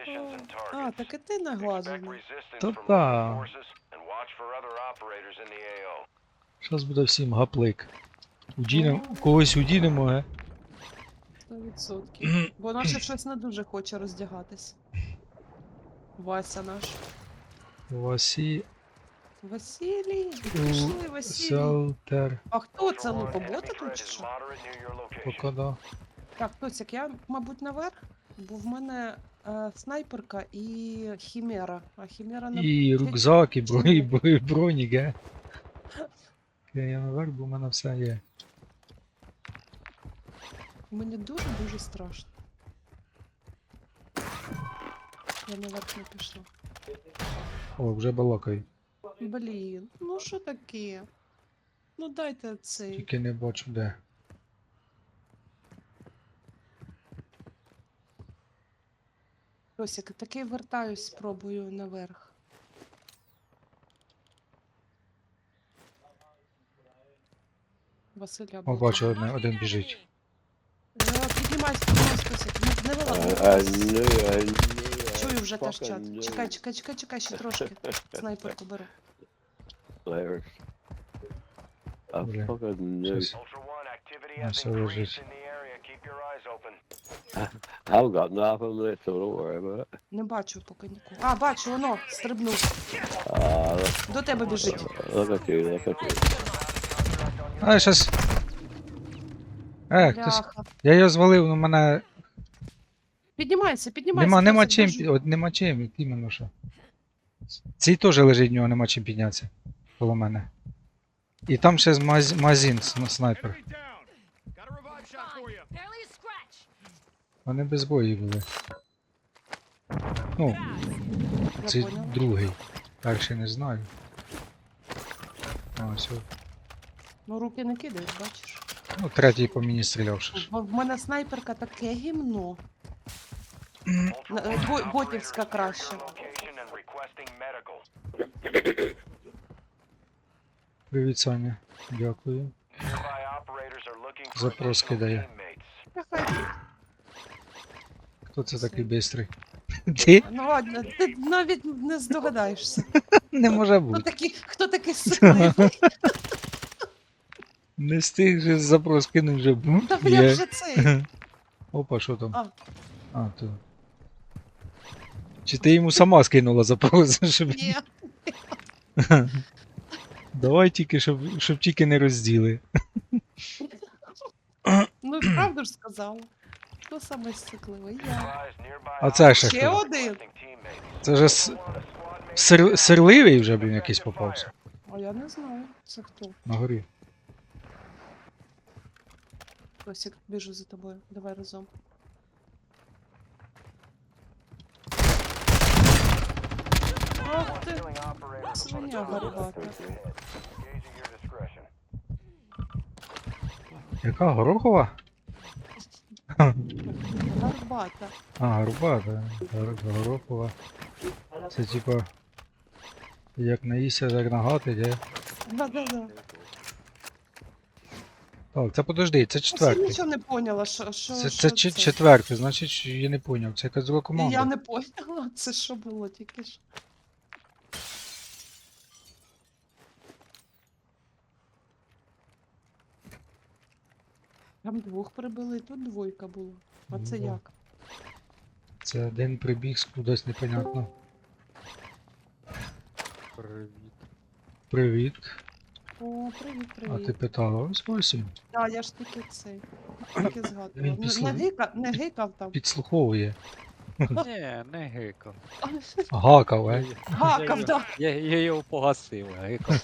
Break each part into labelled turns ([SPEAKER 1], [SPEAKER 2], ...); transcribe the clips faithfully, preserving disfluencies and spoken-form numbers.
[SPEAKER 1] А, так і ти наглажений.
[SPEAKER 2] Та та. Щас буде всім гаплик. Удінем, когось удінемо, ге?
[SPEAKER 1] сто відсотків. Бо наше щось не дуже хоче роздягатись. Вася наш.
[SPEAKER 2] Васі...
[SPEAKER 1] Василій, пішли, Василій.
[SPEAKER 2] Селтер.
[SPEAKER 1] А хто це лупобота тут чи що?
[SPEAKER 2] Пока да.
[SPEAKER 1] Так, Тоцяк, я, мабуть, наверх, бо в мене е, снайперка і хімера. А хімера не...
[SPEAKER 2] І рюкзак, і бро- і бро- і бронік, ге? Я наверх, бо в мене все є.
[SPEAKER 1] Мені дуже-дуже страшно. Я наверх не пішла.
[SPEAKER 2] О, вже балакаю.
[SPEAKER 1] Блін, ну що таке? Ну дайте цей.
[SPEAKER 2] Тільки не бачу де.
[SPEAKER 1] Тосик, таки вертаюсь, спробую наверх. Василя
[SPEAKER 2] О,
[SPEAKER 1] буде.
[SPEAKER 2] бачу, один, один біжить.
[SPEAKER 1] Е, Піднімайся, піднімайся, Тосик. Не, не
[SPEAKER 3] I,
[SPEAKER 1] вилазь.
[SPEAKER 3] I knew, I knew.
[SPEAKER 1] Чую вже
[SPEAKER 3] I
[SPEAKER 1] теж
[SPEAKER 3] fucking
[SPEAKER 1] чат.
[SPEAKER 3] knew.
[SPEAKER 1] Чекай, чекай, чекай, чекай, ще трошки. Снайперку беру.
[SPEAKER 3] Larry. I
[SPEAKER 2] Бля.
[SPEAKER 3] fucking knew.
[SPEAKER 2] Щас. Ну, все лежить.
[SPEAKER 3] I've got nothing left, so don't worry about it.
[SPEAKER 1] Не бачу поки нікого. А, бачу, воно, стрибнув.
[SPEAKER 3] Ah, look,
[SPEAKER 1] До тебе біжить.
[SPEAKER 3] look at you, look at you.
[SPEAKER 2] А, щас. Е, хтось.
[SPEAKER 1] Бляха.
[SPEAKER 2] Я його звалив, ну мене.
[SPEAKER 1] Піднімайся, піднімайся.
[SPEAKER 2] Нема, нема
[SPEAKER 1] Тосик,
[SPEAKER 2] чим,
[SPEAKER 1] біжи.
[SPEAKER 2] пі- от нема чим, от іменно що. Цей теж лежить, в нього нема чим піднятися. Коло мене. І там ще з маз... магазин с- снайпер. Вони без бою були. Ну,
[SPEAKER 1] Я
[SPEAKER 2] це
[SPEAKER 1] поняла.
[SPEAKER 2] другий. Перший не знаю. А, все.
[SPEAKER 1] Ну руки не кидають, бачиш.
[SPEAKER 2] Ну, третій по мені стріляв ще ж.
[SPEAKER 1] Бо в мене снайперка таке гімно. На- е, бо- Ботівська краще.
[SPEAKER 2] Привіт, Саня. Дякую. Запрос кидає.
[SPEAKER 1] Та хай.
[SPEAKER 2] Хто це такий бистрий? Ти?
[SPEAKER 1] Ну ладно, ти навіть не здогадаєшся.
[SPEAKER 2] Не може
[SPEAKER 1] Хто
[SPEAKER 2] бути.
[SPEAKER 1] такий, хто такий сикливий?
[SPEAKER 2] Не встиг же запрос кинув вже. бум,
[SPEAKER 1] Та я
[SPEAKER 2] є.
[SPEAKER 1] вже цей.
[SPEAKER 2] Опа, що там?
[SPEAKER 1] А.
[SPEAKER 2] А, то. Чи ти йому сама скинула запрос, щоб...
[SPEAKER 1] Ні.
[SPEAKER 2] Давай тільки, щоб, щоб тільки не розділи.
[SPEAKER 1] Ну правду ж сказала. Хто саме сикливий? Я.
[SPEAKER 2] А це ще
[SPEAKER 1] Ще
[SPEAKER 2] хто?
[SPEAKER 1] один.
[SPEAKER 2] Це вже с... сир... сирливий вже, блін, якийсь попався.
[SPEAKER 1] А я не знаю, це хто.
[SPEAKER 2] На горі.
[SPEAKER 1] Тосик, біжу за тобою. Давай разом. Ох ти, свиня горбата.
[SPEAKER 2] Яка горохова?
[SPEAKER 1] Горбата.
[SPEAKER 2] А, горбата. Гор... Горохова. Це типа... Як наїсться, як нагати, де?
[SPEAKER 1] Да-да-да.
[SPEAKER 2] Так, це подожди, це
[SPEAKER 1] Я
[SPEAKER 2] четвертий.
[SPEAKER 1] нічого не поняла, що, що,
[SPEAKER 2] Це,
[SPEAKER 1] що
[SPEAKER 2] це, чи- четвертий, значить, що я не поняв. Це якась друга команда.
[SPEAKER 1] Я не поняла, це що було тільки що. Там двох прибили, і тут двойка була. А це
[SPEAKER 2] Ну,
[SPEAKER 1] як?
[SPEAKER 2] Це один прибіг з кудись непонятно.
[SPEAKER 4] Привіт.
[SPEAKER 2] Привіт.
[SPEAKER 1] О, привіт,
[SPEAKER 2] А ти
[SPEAKER 1] привіт.
[SPEAKER 2] питала, ось ось він.
[SPEAKER 1] Так, я ж тільки цей. Тільки
[SPEAKER 2] Він
[SPEAKER 1] згадував. Не,
[SPEAKER 2] після-
[SPEAKER 1] не, гика, не гикав там.
[SPEAKER 2] Підслуховує.
[SPEAKER 4] Ні, не гикав.
[SPEAKER 2] Гакав, е?
[SPEAKER 1] Гакав,
[SPEAKER 4] я,
[SPEAKER 1] так.
[SPEAKER 4] я, я його погасив, гикав.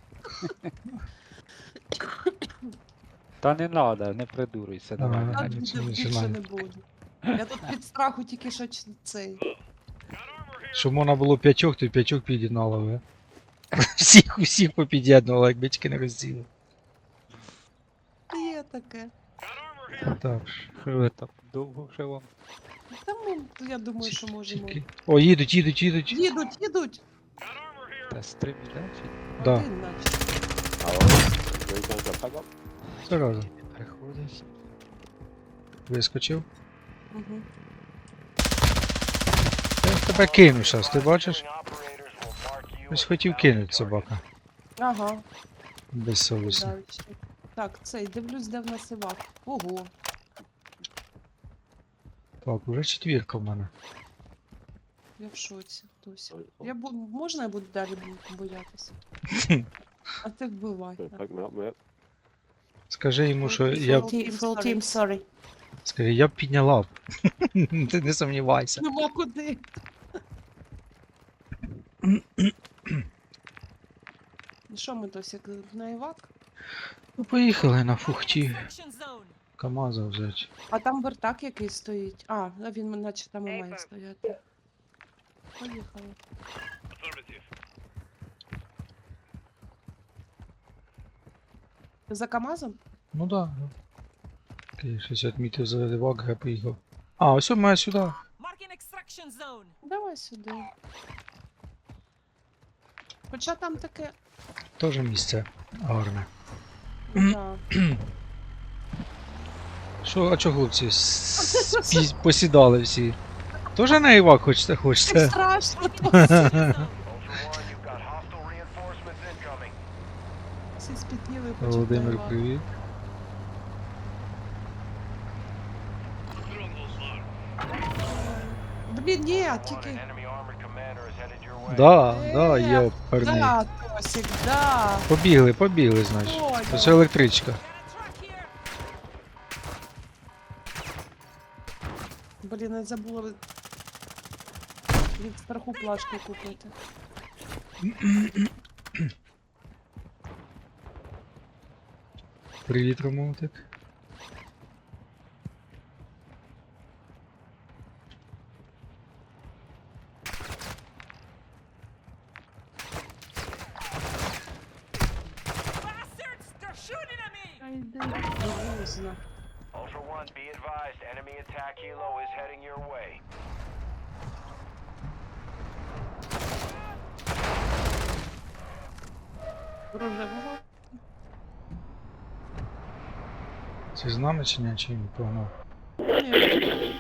[SPEAKER 4] Та не треба, не придурюйся, давай.
[SPEAKER 2] Ага.
[SPEAKER 4] не
[SPEAKER 1] А
[SPEAKER 4] ганяй.
[SPEAKER 1] більше,
[SPEAKER 2] не
[SPEAKER 1] більше
[SPEAKER 2] знаю.
[SPEAKER 1] не буду. Я тут від страху тільки що ч- цей.
[SPEAKER 2] Щоб можна було п'ятьох, то й п'ятьох під'єднало, е? Всіх, усіх попід'єднувало, якби тільки не розділи.
[SPEAKER 1] Є таке.
[SPEAKER 2] Так,
[SPEAKER 4] Що ви там довго вже вам?
[SPEAKER 1] Та ми, я думаю, що можемо.
[SPEAKER 2] тільки... О, їдуть, їдуть, їдуть.
[SPEAKER 1] Їдуть, їдуть.
[SPEAKER 4] Та стрім іде чи
[SPEAKER 2] Да.
[SPEAKER 1] Один наче.
[SPEAKER 3] Hello? Where you going to pick up?
[SPEAKER 2] Все разом.
[SPEAKER 4] не приходить?
[SPEAKER 2] Вискочив.
[SPEAKER 1] Угу.
[SPEAKER 2] тебе кину щас, ти бачиш? Ось хотів кинути собака.
[SPEAKER 1] Ага,
[SPEAKER 2] Безсовісно.
[SPEAKER 1] дальше. Так, цей, дивлюсь, де в нас Івак. Ого,
[SPEAKER 2] Так, уже четвірка в мене.
[SPEAKER 1] я в шоці, Туся. Я бу... Можна я буду далі бу- боятися? А ти вбивай.
[SPEAKER 3] Pick me up, mate.
[SPEAKER 2] Скажи йому, що я б.
[SPEAKER 1] Full team, full team, sorry.
[SPEAKER 2] Скажи, я б підняла б. Ти не сумнівайся.
[SPEAKER 1] Нема куди. Ну що ми, Тосік, на Івак?
[SPEAKER 2] Ну поїхали на фухті.
[SPEAKER 5] Extraction zone.
[SPEAKER 2] КамАЗа взяти.
[SPEAKER 1] А там вертак який стоїть. А, а він наче там і має стояти. Поїхали. Ти за КамАЗом?
[SPEAKER 2] Ну да. да. Окей, щось я відмітив за Левак, я поїхав. А, ось він має сюди.
[SPEAKER 5] Marking extraction zone.
[SPEAKER 1] Давай сюди. Хоча там таке.
[SPEAKER 2] Теж місце гарне.
[SPEAKER 1] Да.
[SPEAKER 2] Що, а чо хлопці с- спі- посідали всі? Тоже на Івак хочете,
[SPEAKER 1] Так
[SPEAKER 2] хочете?
[SPEAKER 1] страшно. Всі спітніли хочуть.
[SPEAKER 2] Володимир,
[SPEAKER 1] на Івак.
[SPEAKER 2] привіт.
[SPEAKER 1] Блін, ні, тільки.
[SPEAKER 2] Да,
[SPEAKER 1] Е,
[SPEAKER 2] да, є парні.
[SPEAKER 1] Да, Тосік, да.
[SPEAKER 2] Побігли, побігли, значить.
[SPEAKER 1] Ой,
[SPEAKER 2] Це все електричка.
[SPEAKER 5] Got a truck here.
[SPEAKER 1] Блін, я забула від- від страху плашки купити.
[SPEAKER 2] Привіт, Ромовтик.
[SPEAKER 5] Bastards! They're shooting at me!
[SPEAKER 1] Та йди, грузно.
[SPEAKER 6] Ultra One, be advised, enemy attack helo is heading your way.
[SPEAKER 1] Рожевого.
[SPEAKER 2] Це з нами чи ні, чи він погнав?
[SPEAKER 1] Ні.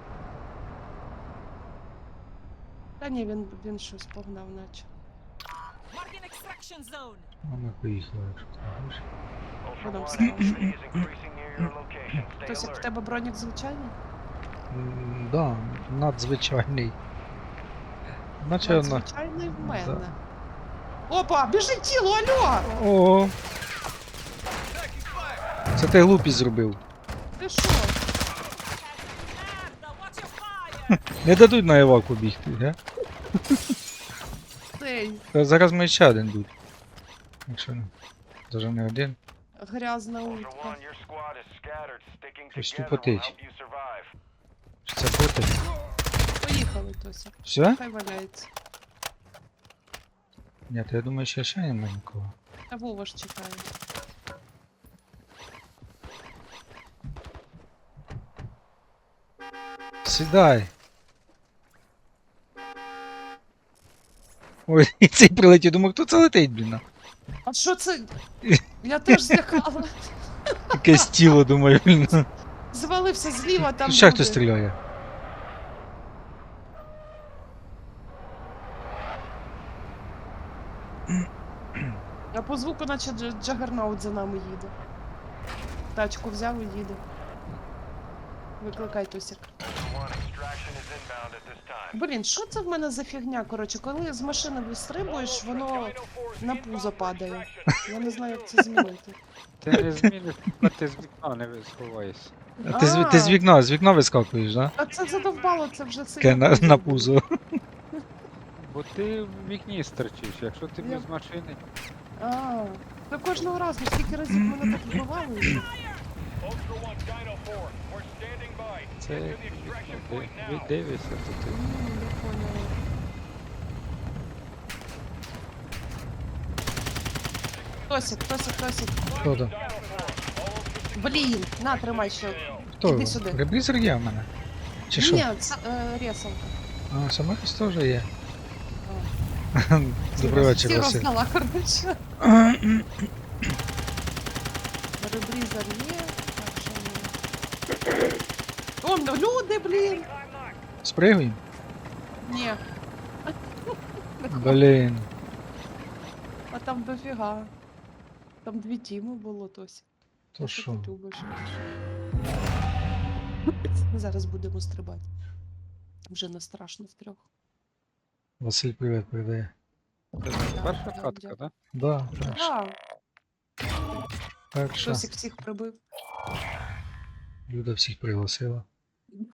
[SPEAKER 1] Та ні, він, він щось погнав, наче.
[SPEAKER 5] Marking extraction zone.
[SPEAKER 2] А ми поїхали, якщо ти хочеш.
[SPEAKER 6] Ultra
[SPEAKER 1] Hold on,
[SPEAKER 6] One,
[SPEAKER 1] sorry.
[SPEAKER 6] activity is increasing near your location. Stay
[SPEAKER 1] Тосік, в
[SPEAKER 6] alert.
[SPEAKER 1] тебе бронік звичайний?
[SPEAKER 2] М, Да, надзвичайний. Наче на...
[SPEAKER 1] Надзвичайний в мене.
[SPEAKER 2] Да.
[SPEAKER 1] Опа, біжить тіло, алло!
[SPEAKER 2] О! Це ти глупість зробив.
[SPEAKER 1] Ти що?
[SPEAKER 5] Merda, watch your fire!
[SPEAKER 2] Не дадуть на Іваку бігти, га?
[SPEAKER 1] Цей
[SPEAKER 2] Та зараз ми ще один будь. Якщо не. Даже не один.
[SPEAKER 1] грязна
[SPEAKER 6] Ultra
[SPEAKER 1] утка.
[SPEAKER 6] One, your squad is scattered. Sticking
[SPEAKER 2] Щось
[SPEAKER 6] together will
[SPEAKER 2] тупотить.
[SPEAKER 6] help you survive.
[SPEAKER 2] Чи це боти?
[SPEAKER 1] Поїхали, Тося.
[SPEAKER 2] Все?
[SPEAKER 1] Хай валяється.
[SPEAKER 2] Ні, то я думаю, що ще немає нікого.
[SPEAKER 1] Та Вова ж чекає.
[SPEAKER 2] Сідай. Ой, і цей прилетів, думаю, хто це летить, блін.
[SPEAKER 1] А що це? Я теж злякала.
[SPEAKER 2] Якесь тіло, думаю, блін.
[SPEAKER 1] Звалився зліва, там
[SPEAKER 2] Ще
[SPEAKER 1] люди.
[SPEAKER 2] хтось стріляє.
[SPEAKER 1] А по звуку наче Дж- Джагернаут за нами їде. Тачку взяв і їде. Викликай Тосік.
[SPEAKER 6] Ultra One, extraction is inbound at this time.
[SPEAKER 1] Блін, що це в мене за фігня? Коротше, коли з машини вистрибуєш, воно на пузо падає. Я не знаю, як це змінити.
[SPEAKER 4] Ти не зміниш, поки ти з вікна не сховаєшся.
[SPEAKER 2] А ти, з, ти з вікна, з вікна вискакуєш, да?
[SPEAKER 1] А це задовбало, це вже
[SPEAKER 2] Таке
[SPEAKER 1] сильно.
[SPEAKER 2] на, на пузо.
[SPEAKER 4] Бо ти в вікні стерчиш, якщо ти
[SPEAKER 1] Я-
[SPEAKER 4] без машини.
[SPEAKER 1] А, та кожного разу, скільки разів мене так вбивали вже.
[SPEAKER 6] Ultra One, Dino four, we're standing by.
[SPEAKER 4] Це
[SPEAKER 6] Get to the
[SPEAKER 4] вікно,
[SPEAKER 6] extraction
[SPEAKER 4] де
[SPEAKER 6] point
[SPEAKER 4] ви
[SPEAKER 6] now.
[SPEAKER 4] дивишся, то ти.
[SPEAKER 1] М, я поняла. Тосик, Тосик, Тосик.
[SPEAKER 2] Хто там?
[SPEAKER 1] Блін, на, тримай ще.
[SPEAKER 2] Хто?
[SPEAKER 1] Іди сюди.
[SPEAKER 2] Реблізер є в мене? Чи що?
[SPEAKER 1] Ні, це е, ресалка.
[SPEAKER 2] А, самохіс теж є.
[SPEAKER 1] А.
[SPEAKER 2] Добрий вечір,
[SPEAKER 1] Всі
[SPEAKER 2] Василь.
[SPEAKER 1] роздала, коротше. Ребрізер є. Так, що ми? О, ну люди, блін.
[SPEAKER 2] Спригуємо?
[SPEAKER 1] Ні,
[SPEAKER 2] Блін.
[SPEAKER 1] а там дофіга. Там дві тіми було, Тось.
[SPEAKER 2] То
[SPEAKER 1] Що
[SPEAKER 2] що?
[SPEAKER 1] ти любиш? Зараз будемо стрибати. Вже не страшно втрьох.
[SPEAKER 2] Василь привіт передає.
[SPEAKER 4] Це
[SPEAKER 1] Да,
[SPEAKER 4] перша
[SPEAKER 1] да,
[SPEAKER 4] катка,
[SPEAKER 1] дякую.
[SPEAKER 4] да?
[SPEAKER 2] Да, перша.
[SPEAKER 1] А,
[SPEAKER 2] Перша.
[SPEAKER 1] Тосик всіх прибив.
[SPEAKER 2] Люда всіх пригласила.